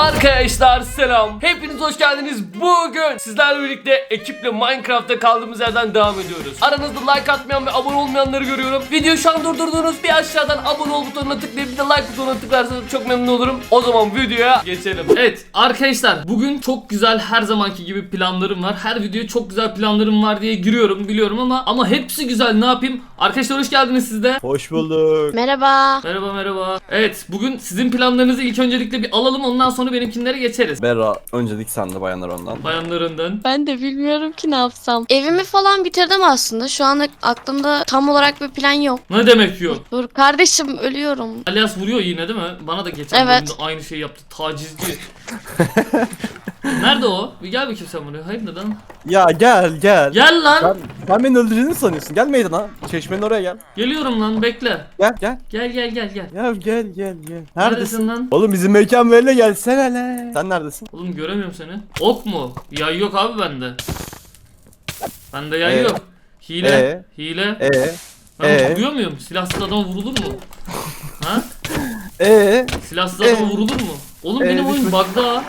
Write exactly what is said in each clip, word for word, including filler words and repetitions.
Arkadaşlar selam. Hepiniz hoş geldiniz. Bugün sizlerle birlikte ekiple Minecraft'ta kaldığımız yerden devam ediyoruz. Aranızda like atmayan ve abone olmayanları görüyorum. Videoyu şu an durdurdunuz. Bir aşağıdan abone ol butonuna tıklayıp bir de like butonuna tıklarsanız çok memnun olurum. O zaman videoya geçelim. Evet arkadaşlar, bugün çok güzel, her zamanki gibi planlarım var. Her videoya çok güzel planlarım var diye giriyorum biliyorum ama ama hepsi güzel, ne yapayım? Arkadaşlar hoş geldiniz siz de. Hoş bulduk. Merhaba. Merhaba merhaba. Evet, bugün sizin planlarınızı ilk öncelikle bir alalım, ondan sonra benimkinlere geçeriz. Berra, öncelik sende, bayanlar ondan. Bayanlarından. Ben de bilmiyorum ki ne yapsam. Evimi falan bitirdim aslında. Şu anda aklımda tam olarak bir plan yok. Ne demek yok? Dur kardeşim, ölüyorum. Alias vuruyor yine değil mi? Bana da geçen Evet. bölümde aynı şeyi yaptı. Tacizci. Nerede o? Bir gel bakayım sen buraya. Hayır neden? Ya gel gel. Gel lan. Sen, sen beni öldüreceğini sanıyorsun. Gel meydana. Çeşmenin oraya gel. Geliyorum lan, bekle. Gel gel. Gel gel gel gel. Ya gel gel gel. Neredesin Neredesin? lan? Oğlum bizim mekan böyle, gelsene lan. Sen neredesin? Oğlum göremiyorum seni. Ok mu? Yay yok abi bende. Bende yay Ee? yok. Hile. Ee? Hile. Ee? Ben ee? vuruyor muyum? Silahsız adam vurulur mu? Ha? Ee? Silahsız adam Ee? vurulur mu? Oğlum Ee, benim oyun lütfen. bug'da.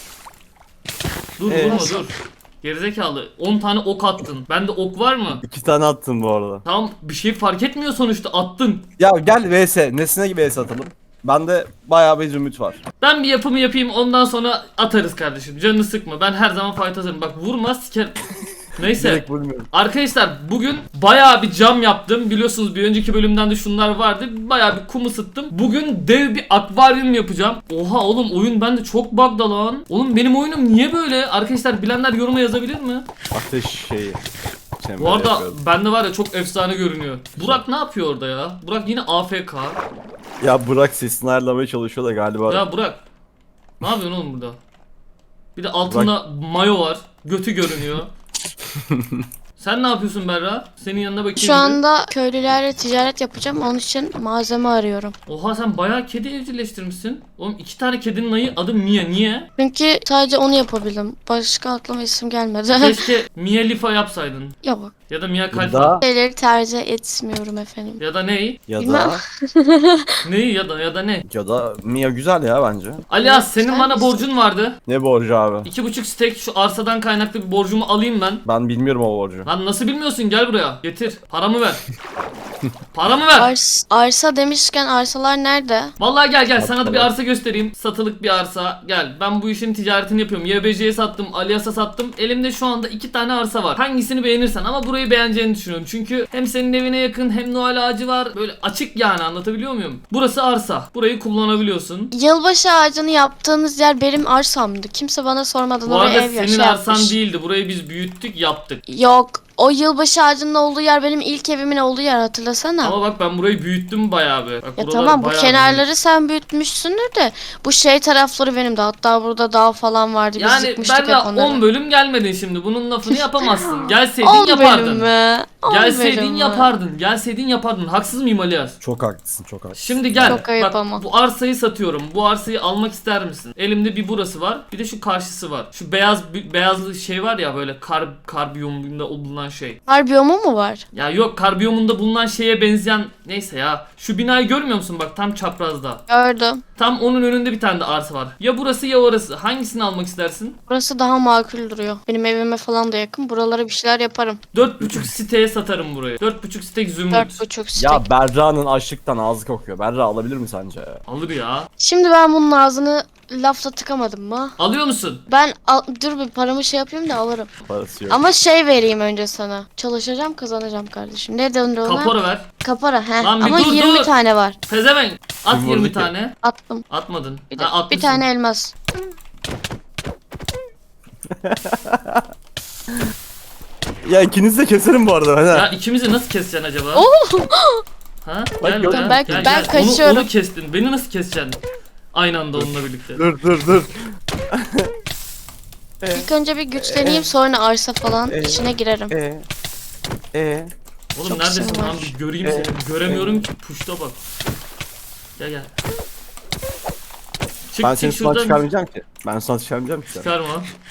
Dur Ee? vurma dur. Gerizekalı. on tane ok attın. Bende ok var mı? İki tane attım bu arada. Tamam, bir şey fark etmiyor sonuçta, attın. Ya gel vs. Nesine gibi vs atalım. Bende bayağı bir zümrüt var. Ben bir yapımı yapayım, ondan sonra atarız kardeşim. Canını sıkma. Ben her zaman fight atarım. Bak vurma siker. Neyse. Direkt vurmuyorum. Arkadaşlar bugün bayağı bir cam yaptım. Biliyorsunuz bir önceki bölümden de şunlar vardı. Bayağı bir kum ısıttım. Bugün dev bir akvaryum yapacağım. Oha oğlum, oyun bende çok bug'da lan. Oğlum benim oyunum niye böyle? Arkadaşlar bilenler yoruma yazabilir mi? Ateş şeyi. Çemberi Bu arada yapıyorum. bende var ya, çok efsane görünüyor. Burak ne yapıyor orada ya? Burak yine A F K. Ya Burak sesini ayarlamaya çalışıyor da galiba. Ya Burak, ne yapıyorsun oğlum burada? Bir de altında mayo var. Götü görünüyor. Sen ne yapıyorsun Berra? Senin yanına bakayım. Şu bir. anda köylülerle ticaret yapacağım. Onun için malzeme arıyorum. Oha, sen bayağı kedi evcilleştirmişsin. Oğlum iki tane kedinin ayı, adı Mia. Niye? Çünkü sadece onu yapabildim. Başka aklıma isim gelmedi. Keşke Mia Lifa yapsaydın. Yok. Ya da Mia Ya Kalfa. da, Şeyleri tercih etmiyorum efendim. Ya da ney? ya Bilmem. da, Neyi ya da ya da ne? ya da Mia güzel ya bence. Alias, senin Güzel bana misin? borcun vardı. Ne borcu abi? İki buçuk stek şu arsadan kaynaklı bir borcumu alayım ben. Ben bilmiyorum o borcu. Lan nasıl bilmiyorsun? Gel buraya. Getir. Paramı ver. Paramı ver. Ars arsa demişken arsalar nerede? Vallahi gel gel, sana da bir Bakalım. arsa göstereyim. Satılık bir arsa. Gel. Ben bu işin ticaretini yapıyorum. Y B C'ye sattım, Alias'a sattım. Elimde şu anda iki tane arsa var. Hangisini beğenirsen, ama burayı beğeneceğini düşünüyorum. Çünkü hem senin evine yakın, hem Noel ağacı var. Böyle açık yani, anlatabiliyor muyum? Burası arsa. Burayı kullanabiliyorsun. Yılbaşı ağacını yaptığınız yer benim arsamdı. Kimse bana sormadan Bu oraya arada ev ya- senin şey arsan yapmış. değildi. Burayı biz büyüttük, yaptık. Yok. O yılbaşı ağacının olduğu yer benim ilk evimin olduğu yer, hatırlasana. Ama bak ben burayı büyüttüm bayağı bir. Bak, Ya buralar tamam, bu bayağı kenarları sen büyütmüşsündür de bu şey tarafları benim de, hatta burada dağ falan vardı, büyüdüm. biz Yani yıkmıştık ben de hep onları. on bölüm gelmedin şimdi. Bunun lafını yapamazsın. Gelseydin on bölüm yapardın. mü? on bölüm Gelseydin mü? yapardın. Gelseydin yapardın. Haksız mıyım Alias? Çok haklısın, çok haklısın. Şimdi gel. Çok ayıp Bak ama. bu arsayı satıyorum. Bu arsayı almak ister misin? Elimde bir burası var. Bir de şu karşısı var. Şu beyaz bi- beyazlı şey var ya, böyle kar kar biyomunda bulunan şey. Har biyomu mu var? Ya yok, kar biyomunda bulunan şeye benzeyen, neyse ya. Şu binayı görmüyor musun, bak tam çaprazda. Gördüm. Tam onun önünde bir tane de arsa var. Ya burası ya orası. Hangisini almak istersin? Burası daha makul duruyor. Benim evime falan da yakın. Buralara bir şeyler yaparım. Dört buçuk siteye satarım burayı. Dört buçuk site zümrüt. Dört buçuk stek. Ya Berra'nın açlıktan ağzı kokuyor. Berra alabilir mi sence? Alır ya. Şimdi ben bunun ağzını lafla tıkamadım mı? Alıyor musun? Ben al- dur bir paramı şey yapayım da alırım. Parası yok. Ama şey vereyim önce sana. Çalışacağım, kazanacağım kardeşim. Ne denir ona? Kapora ver. Kapora he. Lan bir Ama dur, yirmi dur. tane var. Pezevenk. At Kim yirmi vurdu ki? tane. Attım. Atmadın. Bir, de, Ha, bir atmışsın. tane elmas. Ya ikinizi de keserim bu arada. Ya Hani. ikimizi nasıl keseceksin acaba? Ha? Bak, Gel, gördün gel, mü? Ben- gel, ben gel. Onu- kaçıyorum. Onu, kestin. Beni nasıl keseceksin? Aynı anda onunla birlikte. Dur dur dur. İlk önce bir güçleneyim, sonra arsa falan Ee, içine girerim. E e Oğlum Çok neredesin işim var. lan? Bir göreyim Ee, seni. Göremiyorum ki. Puşta bak. Gel gel. Çık Ben çık seni sudan şuradan. çıkarmayacağım ki. Ben sudan çıkarmayacağım ki. sen. Çıkarma.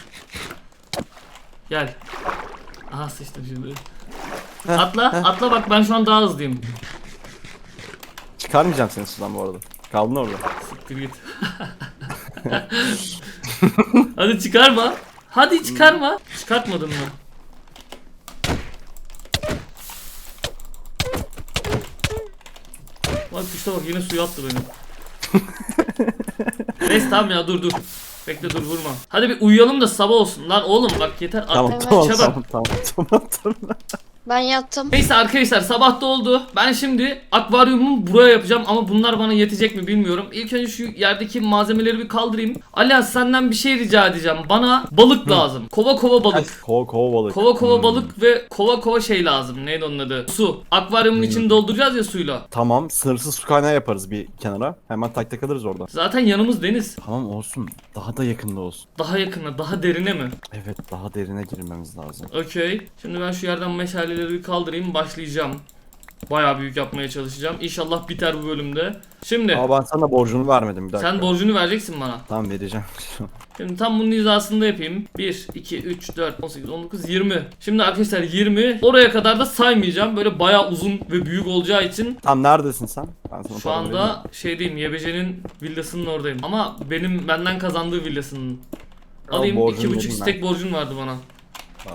Gel. Aha sıçtım şimdi. Heh, Atla, atla bak, ben şu an daha hızlıyım. Çıkarmayacağım seni sudan bu arada. Kaldın orada. Siktir git. Hadi çıkarma. Hadi çıkarma. Çıkartmadın mı? Bak işte bak yine suya attı beni. Neyse tamam ya dur dur. Bekle dur vurma. Hadi bir uyuyalım da sabah olsun. Lan oğlum bak yeter. Tamam Artık tamam, işe bak. tamam tamam tamam tamam. Ben yattım. Neyse arkadaşlar sabah da oldu. Ben şimdi akvaryumumu buraya yapacağım ama bunlar bana yetecek mi bilmiyorum. İlk önce şu yerdeki malzemeleri bir kaldırayım. Alias senden bir şey rica edeceğim. Bana balık lazım. Kova kova balık. Kova kova balık. Kova kova Hmm. balık ve kova kova şey lazım. Neydi onun adı? Su. Akvaryumun içini dolduracağız ya suyla. Tamam, sınırsız su kaynağı yaparız bir kenara. Hemen tak tak alırız orada. Zaten yanımız deniz. Tamam olsun. Daha da yakında olsun. Daha yakına, daha derine mi? Evet, daha derine girmemiz lazım. Okey. Şimdi ben şu yerden meşaleleri bir kaldırayım. Başlayacağım. Bayağı büyük yapmaya çalışacağım. İnşallah biter bu bölümde. Şimdi Ama ben sana borcunu vermedim bir dakika. sen borcunu vereceksin bana. Tamam, vereceğim. Şimdi tam bunun hizasında yapayım. bir, iki, üç, dört, on sekiz, on dokuz, yirmi. Şimdi arkadaşlar yirmi. Oraya kadar da saymayacağım. Böyle bayağı uzun ve büyük olacağı için. Tamam, neredesin sen? Ben sana Şu para vereyim. anda şeydeyim. Y B C'nin villasının oradayım. Ama benim benden kazandığı villasının. Tamam, Alayım. borcunu iki buçuk vereyim stek borcun vardı bana. Al.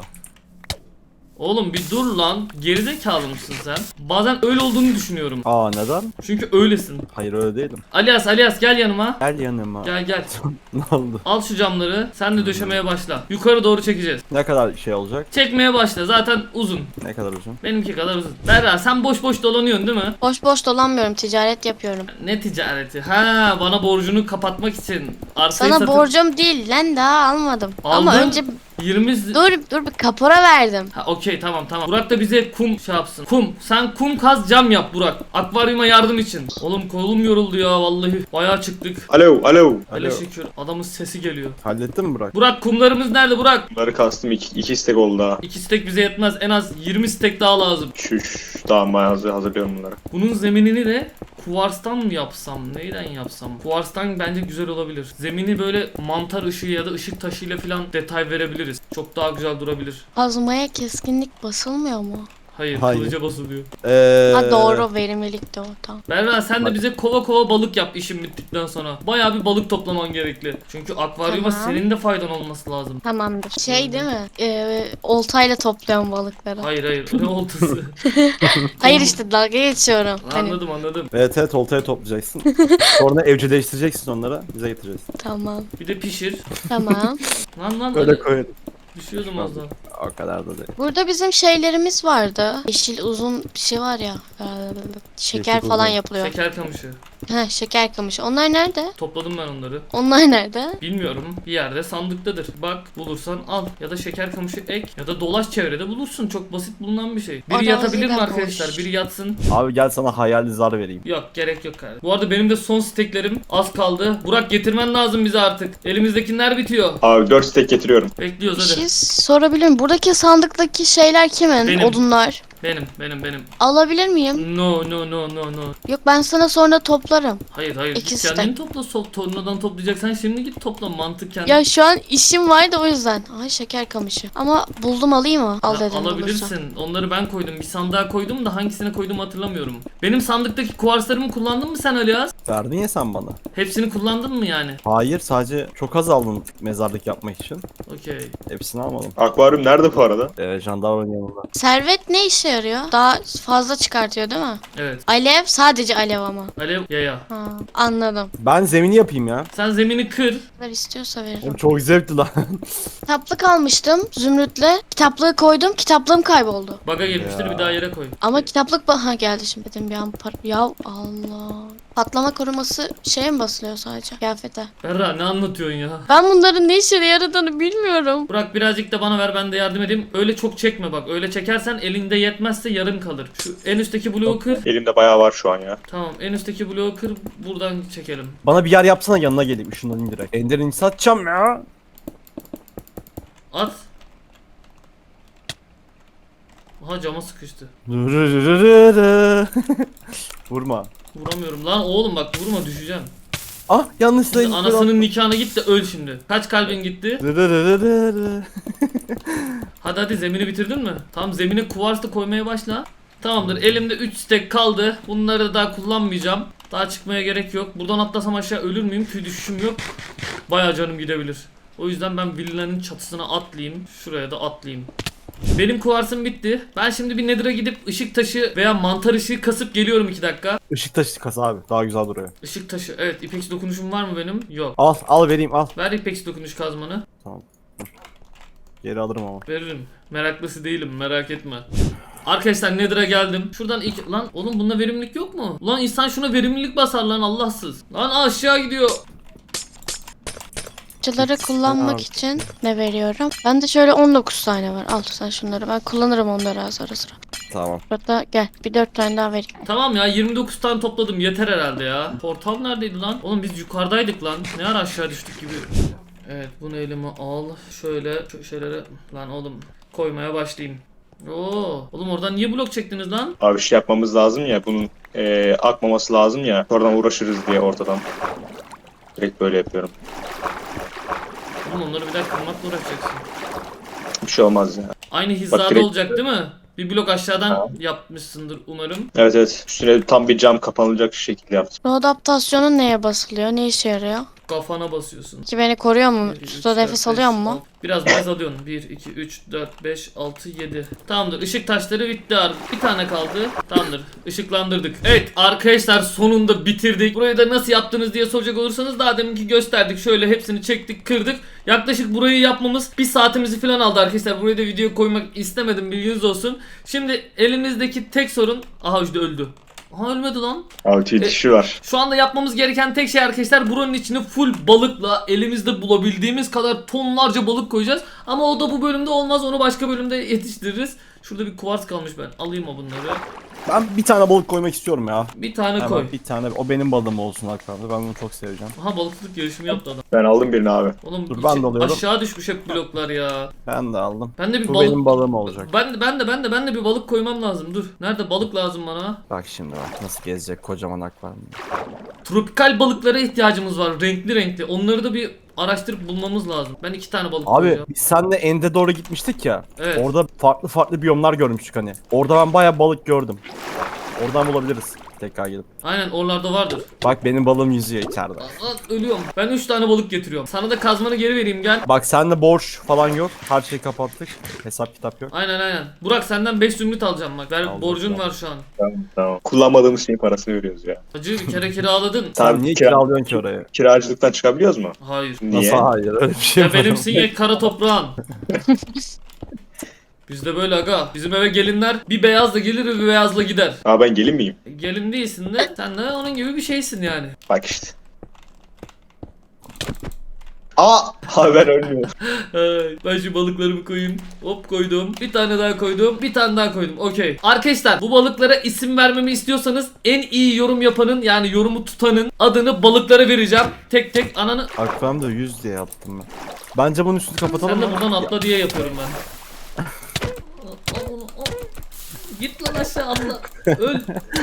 Oğlum bir dur lan. Gerizekalı mısın sen? Bazen öyle olduğunu düşünüyorum. Aa, neden? Çünkü öylesin. Hayır, öyle değilim. Alias Alias gel yanıma. Gel yanıma. Gel gel. Ne oldu? Al şu camları. Sen de döşemeye başla. Yukarı doğru çekeceğiz. Ne kadar şey olacak? Çekmeye başla. Zaten uzun. Ne kadar uzun? Benimki kadar uzun. Berra sen boş boş dolanıyorsun değil mi? Boş boş dolanmıyorum. Ticaret yapıyorum. Ne ticareti? Ha bana borcunu kapatmak için. Arsayı Sana satıp borcum değil lan, daha almadım. Ama Aldın. önce yirmi dur dur bir kapora verdim. Ha okey tamam tamam. Burak da bize kum şey yapsın. Kum. Sen kum kaz cam yap Burak. Akvaryuma yardım için. Oğlum kolum yoruldu ya vallahi. Bayağı çıktık. Alo, alo. Hele Alo. şükür. Adamın sesi geliyor. Hallettin mi Burak? Burak kumlarımız nerede Burak? Bunları kastım iki, iki istek oldu daha. İki stek bize yetmez. En az yirmi stek daha lazım. Şu, şu tamam ben hazır, hazırlıyorum bunları. Bunun zeminini de kuvarstan mı yapsam? Neyden yapsam? Kuvarstan bence güzel olabilir. Zemini böyle mantar ışığı ya da ışık taşıyla falan detay verebiliriz. Çok daha güzel durabilir. Kazmaya keskinlik basılmıyor mu? Hayır, Hayır. kılıca basılıyor. Ee, Ha doğru, verimlilik de o, tamam. Berra sen de Bak. bize kova kova balık yap işin bittikten sonra. Bayağı bir balık toplaman gerekli. Çünkü akvaryuma Tamam. senin de faydan olması lazım. Tamamdır. Şey değil mi? Ee, oltayla topluyorum balıkları. Hayır hayır ne oltası. Hayır işte dalga geçiyorum. Hani, Anladım anladım. Evet evet, oltaya toplayacaksın. Sonra evcilleştireceksin onları. Bize getireceksin. tamam. Bir de pişir. Tamam. Lan lan Öyle hadi. koyalım. Düşüyordum az daha. O kadar da değil. Burada bizim şeylerimiz vardı. Yeşil uzun bir şey var ya. ee, Şeker Yeşil falan uzun. yapılıyor. Şeker kamışı. He, şeker kamışı. Onlar nerede? Topladım ben onları. Onlar nerede? Bilmiyorum. Bir yerde sandıktadır. Bak bulursan al. Ya da şeker kamışı ek. Ya da dolaş çevrede bulursun. Çok basit bulunan bir şey. Biri Arazi yatabilir mi de arkadaşlar? boş. Biri yatsın. Abi gel sana hayali zar vereyim. Yok gerek yok kardeşim. Bu arada benim de son steklerim az kaldı. Burak getirmen lazım bize artık. Elimizdekiler bitiyor. Abi dört istek getiriyorum. Bir Bekliyoruz hadi. şey sorabilir miyim? Buradaki sandıktaki şeyler kimin? Benim. Odunlar. Benim benim benim. Alabilir miyim? No no no no no. Yok, ben sana sonra toplarım. Hayır hayır. İki Git stek. kendin topla. Sol tornadan toplayacaksan şimdi git topla. Mantık kendi. Ya şu an işim var da o yüzden. Ay şeker kamışı. Ama buldum, alayım mı? Al Ya, dedim bulursan. alabilirsin. Onları ben koydum. Bir sandığa koydum da hangisine koydum hatırlamıyorum. Benim sandıktaki kuarslarımı kullandın mı sen Alias? Verdin ya sen bana. Hepsini kullandın mı yani? Hayır, sadece çok az aldın mezarlık yapmak için. Okey. Hepsini almadım. Akvaryum nerede bu arada? Ee, jandarmanın yanında. Servet ne işe yarıyor? Daha fazla çıkartıyor değil mi? Evet. Alev, sadece alev ama. Alev yaya. Ha, anladım. Ben zemini yapayım ya. Sen zemini kır. Ne kadar istiyorsa veririm. Oğlum çok zevkli lan. Kitaplık almıştım Zümrüt'le. Kitaplığı koydum, kitaplığım kayboldu. Baga girmiştir Ya. bir daha yere koy. Ama kitaplık ba- ha geldi şimdi dedim bir an par- ya Allah. Patlama koruması şeye mi basılıyor sadece kıyafete? Berra ne anlatıyorsun ya? Ben bunların ne işe yaradığını bilmiyorum. Burak birazcık da bana ver ben de yardım edeyim. Öyle çok çekme bak. Öyle çekersen elinde yetmezse yarım kalır. Şu en üstteki bloğu kır. Elimde bayağı var şu an ya. Tamam en üstteki bloğu kır. Buradan çekelim. Bana bir yer yapsana, yanına geleyim. Şundan indirek. Ender'ini satacağım ya. At. Aha cama sıkıştı. Vurma. Vuramıyorum lan oğlum bak vurma düşeceğim. Ah, yanlışlıkla Şimdi anasının nikahına git de öl şimdi. Kaç kalbin gitti? Hadi hadi zemini bitirdin mi? Tamam zemine kuvars da koymaya başla. Tamamdır elimde üç stek kaldı. Bunları da daha kullanmayacağım. Daha çıkmaya gerek yok. Buradan atlasam aşağı ölür müyüm? Tüy düşüşüm yok. Bayağı canım gidebilir. O yüzden ben villanın çatısına atlayayım. Şuraya da atlayayım. Benim kuvarsım bitti. Ben şimdi bir Nether'a gidip ışık taşı veya mantar ışığı kasıp geliyorum iki dakika. Işık taşı kasa abi. Daha güzel duruyor. Işık taşı. Evet, ipeksi dokunuşum var mı benim? Yok. Al al vereyim al. Ver ipeksi dokunuş kazmanı. Tamam. Dur. Geri alırım ama. Veririm. Meraklısı değilim, merak etme. Arkadaşlar Nether'a geldim. Şuradan ilk... Lan oğlum bunda verimlilik yok mu? Lan insan şuna verimlilik basar lan Allahsız. Lan aşağı gidiyor. Parçaları kullanmak için ne veriyorum? Bende şöyle on dokuz tane var. Al sen şunları. Ben kullanırım onları az ara sıra. Tamam. Burada gel. Bir dört tane daha vereyim. Tamam ya, yirmi dokuz tane topladım, yeter herhalde ya. Portal neredeydi lan? Oğlum biz yukarıdaydık lan. Ne ara aşağı düştük gibi. Evet, bunu elime al. Şöyle şu şeylere lan oğlum koymaya başlayayım. Oo, oğlum oradan niye blok çektiniz lan? Abi şey yapmamız lazım ya, bunun e, akmaması lazım ya. Oradan uğraşırız diye ortadan. Direkt böyle yapıyorum. Oğlum onları bir daha kırmakla uğraşacaksın. Bir şey olmaz ya. Aynı hizada direkt- olacak değil mi? Bir blok aşağıdan yapmışsındır umarım. Evet evet. Üstüne tam bir cam kapanılacak şekilde yaptım. Bu adaptasyonun neye basılıyor? Ne işe yarıyor? Kafana basıyorsun. Ki beni koruyor mu? bir, iki, üç, Suda dört, nefes beş, alıyor mu? altı. Biraz biraz alıyorsun. bir, iki, üç, dört, beş, altı, yedi. Tamamdır. Işık taşları bitti abi. Bir tane kaldı. Tamamdır. Işıklandırdık. Evet arkadaşlar, sonunda bitirdik. Burayı da nasıl yaptınız diye soracak olursanız daha deminki gösterdik. Şöyle hepsini çektik, kırdık. Yaklaşık burayı yapmamız bir saatimizi falan aldı arkadaşlar. Buraya da video koymak istemedim, bilginiz olsun. Şimdi elimizdeki tek sorun... Aha işte öldü. Aha ölmedi lan. Abi tüy dişi var. Şu anda yapmamız gereken tek şey arkadaşlar, buranın içine full balıkla elimizde bulabildiğimiz kadar tonlarca balık koyacağız. Ama o da bu bölümde olmaz, onu başka bölümde yetiştiririz. Şurada bir kuvars kalmış, ben alayım o bunları. Ben bir tane balık koymak istiyorum ya. Bir tane Hemen koy. bir tane. O benim balığım olsun hakkında. Ben bunu çok seveceğim. Aha balıkçılık yarışımı yaptı adam. Ben aldım birini abi. Oğlum Dur, içi- ben de alıyorum. aşağı düşmüş hep bloklar ya. Ben de aldım. Ben de bir Bu balık... benim balığım olacak. Ben de ben de ben de ben de bir balık koymam lazım. Dur. Nerede balık lazım bana? Bak şimdi bak nasıl gezecek kocaman akvaryum. Tropikal balıklara ihtiyacımız var. Renkli renkli. Onları da bir araştırıp bulmamız lazım. Ben iki tane balık Abi koyacağım. biz seninle End'e doğru gitmiştik ya. Evet. Orada farklı farklı biyomlar görmüştük hani. Orada ben bayağı balık gördüm. Oradan bulabiliriz tekrar gelip. Aynen, oralarda vardır. Bak benim balığım yüzüyor içeride. Aa, ölüyorum. Ben üç tane balık getiriyorum. Sana da kazmanı geri vereyim, gel. Bak sende borç falan yok. Her şeyi kapattık. Hesap kitap yok. Aynen aynen. Burak senden beş zümrüt alacağım bak. Ver, Aldım, borcun tamam. var şu an. Tamam tamam. Kullanmadığımız şeyin parasını veriyoruz ya. Hacı bir kere kiraladın. Sen Tamam, niye kira- kiralıyorsun ki orayı? Kiracılıktan çıkabiliyoruz mu? Hayır. Niye? Nasıl hayır öyle bir şey Ya var. benimsin ya kara toprağın. Bizde böyle aga. Bizim eve gelinler bir beyazla gelir bir beyazla gider. Abi ben gelin miyim? Gelin değilsin de sen de onun gibi bir şeysin yani. Bak işte. Aa! Abi ben ölmüyorum. Ay, ben şu balıklarımı koyayım. Hop koydum. Bir tane daha koydum. Bir tane daha koydum. Okey. Arkadaşlar bu balıklara isim vermemi istiyorsanız en iyi yorum yapanın, yani yorumu tutanın adını balıklara vereceğim. Tek tek ananı... Akvaryumda yüz diye yaptım ben. Bence bunun üstünü kapatalım Sen de mı? buradan atla diye yapıyorum ben. Al onu, al. Git lan aşağı atla. Öl.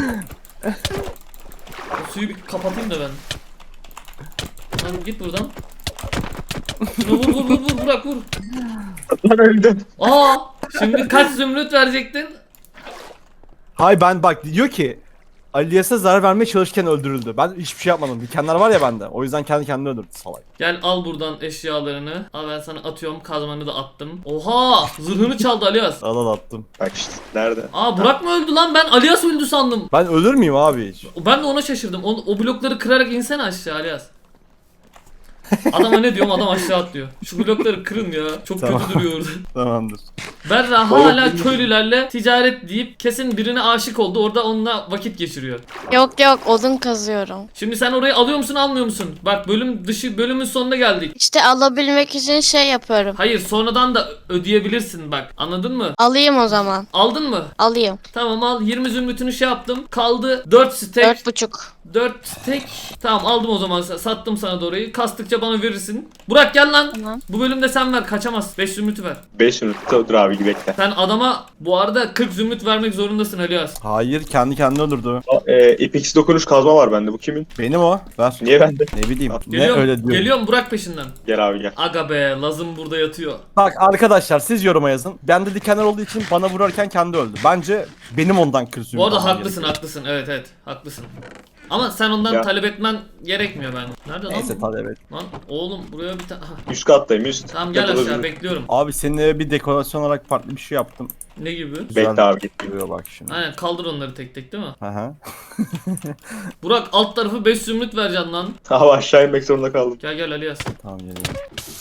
O suyu bir kapatayım da ben. Lan git buradan. Şunu vur vur vur vur bırak vur. Lan öldüm. Aa, şimdi kaç zümrüt verecektin? Hay ben bak diyor ki Alias'a zarar vermeye çalışırken öldürüldü. Ben hiçbir şey yapmadım. Dikenler var ya bende. O yüzden kendi kendini öldürdü salak. Gel al buradan eşyalarını. Al ben sana atıyorum, kazmanı da attım. Oha, zırhını çaldı Alias. Al al attım. Bak işte. Nerede? Aa Burak mı öldü lan, ben Alias öldü sandım. Ben ölür müyüm abi hiç? Ben de ona şaşırdım. O, o blokları kırarak insene aşağı Alias. Adama ne diyorum, adam aşağı atlıyor. Şu blokları kırın ya. Çok Tamam. kötü duruyor orada. Tamamdır. Berra Oğlum, hala benim- köylülerle ticaret deyip kesin birine aşık oldu. Orada onunla vakit geçiriyor. Yok yok odun kazıyorum. Şimdi sen orayı alıyor musun almıyor musun? Bak bölüm dışı bölümün sonuna geldik. İşte alabilmek için şey yapıyorum. Hayır, sonradan da ödeyebilirsin bak. Anladın mı? Alayım o zaman. Aldın mı? Alayım. Tamam al, yirmi zümrütünü şey yaptım. Kaldı dört stek. Dört buçuk. dört stek. Tamam aldım o zaman, sattım sana da orayı. Kastıkça bana verirsin. Burak gel lan. Tamam. Bu bölümde sen ver, kaçamaz. beş zümrütü ver. beş minut dur abi bekle. Sen adama bu arada kırk zümrüt vermek zorundasın Alias. Hayır kendi kendini öldürdü. E, ipeksi dokunuş kazma var bende. Bu kimin? Benim o. Ver. Niye bende? Ne bileyim. Geliyorum, ne öyle diyor. geliyorum Burak peşinden. Gel abi gel. Aga be, Lazım burada yatıyor. Bak arkadaşlar siz yoruma yazın. Bende dikenler olduğu için bana vurarken kendi öldü. Bence benim ondan kırsıyorum. Bu arada haklısın haklısın, evet evet haklısın. Ama sen ondan Ya. talep etmen gerekmiyor ben. Nerede lan? Neyse bu? tabii evet. Lan oğlum buraya bir tane... Üst kattayım üst. Tamam gel Yapılabilir. aşağı bekliyorum. Abi senin eve bir dekorasyon olarak farklı bir şey yaptım. Ne gibi? Bekle abi git. Duruyor bak şimdi. Aynen kaldır onları tek tek değil mi? Hı hı. Burak alt tarafı beş zümrüt vereceksin lan. Abi aşağı inmek zorunda kaldım. Gel gel Alias. Tamam geliyorum.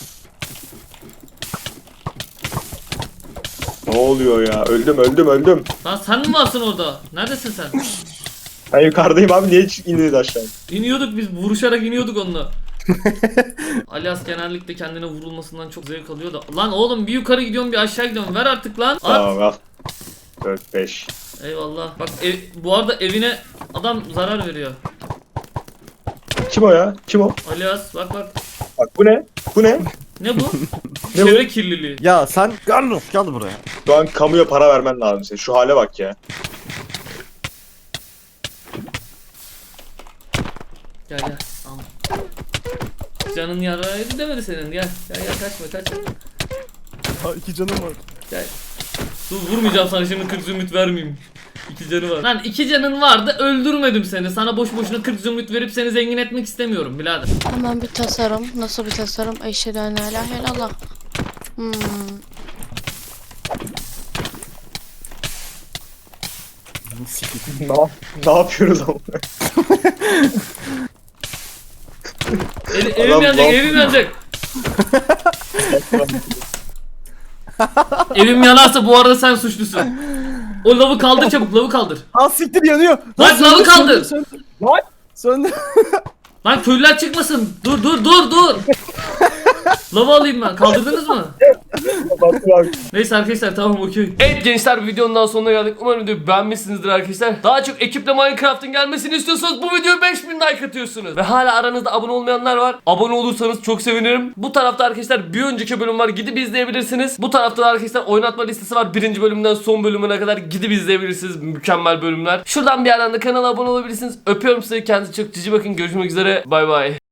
Ne oluyor ya? Öldüm öldüm öldüm. Lan sen mi varsın orada? Neredesin sen? Ben yukarıdayım abi niye hiç indiniz aşağı? İniyorduk biz vuruşarak iniyorduk onunla. Alias genellikle kendine vurulmasından çok zevk alıyor da. Lan oğlum bir yukarı gidiyorum bir aşağı gidiyorum. Ver artık lan. At. Tamam al. dört beş. Eyvallah. Bak ev, bu arada evine adam zarar veriyor. Kim o ya? Kim o? Alias bak bak. Bak bu ne? Bu ne? Ne bu? Ne bu? Çevre kirliliği. Ya sen Carlos gel buraya. Şu an kamuya para vermen lazım senin. Şu hale bak ya. Gel gel. Al. Canın yaraydı demedi senin. Gel gel gel kaçma kaçma. Ha iki canım var. Gel. Dur vurmayacağım sana şimdi kırk zümrüt vermeyeyim. İki canı var. Lan iki canın vardı öldürmedim seni. Sana boş boşuna kırk zümrüt verip seni zengin etmek istemiyorum birader. Hemen bir tasarım. Nasıl bir tasarım? Eşhedü en la ilahe illallah. Hmm. ne, yap- ne yapıyoruz ama? El, Adam evim yanacak ne evim yanacak. Evim yanarsa bu arada sen suçlusun. O lavı kaldır çabuk lavı kaldır. Al siktir yanıyor. Lan söndü, lavı kaldır. söndü, söndü. Lan söndü. Lan köylüler çıkmasın. Dur dur dur dur. Lavı alayım ben. Kaldırdınız mı? Neyse arkadaşlar tamam okey. Evet gençler videonun daha sonuna geldik. Umarım videoyu beğenmişsinizdir arkadaşlar. Daha çok ekiple Minecraft'ın gelmesini istiyorsanız bu videoya beş bin like atıyorsunuz. Ve hala aranızda abone olmayanlar var. Abone olursanız çok sevinirim. Bu tarafta arkadaşlar bir önceki bölüm var. Gidip izleyebilirsiniz. Bu tarafta da arkadaşlar oynatma listesi var. Birinci bölümden son bölümüne kadar gidip izleyebilirsiniz. Mükemmel bölümler. Şuradan bir yerden de kanala abone olabilirsiniz. Öpüyorum sizi. Kendinize çok cici bakın. Görüşmek üzere. Bay bay.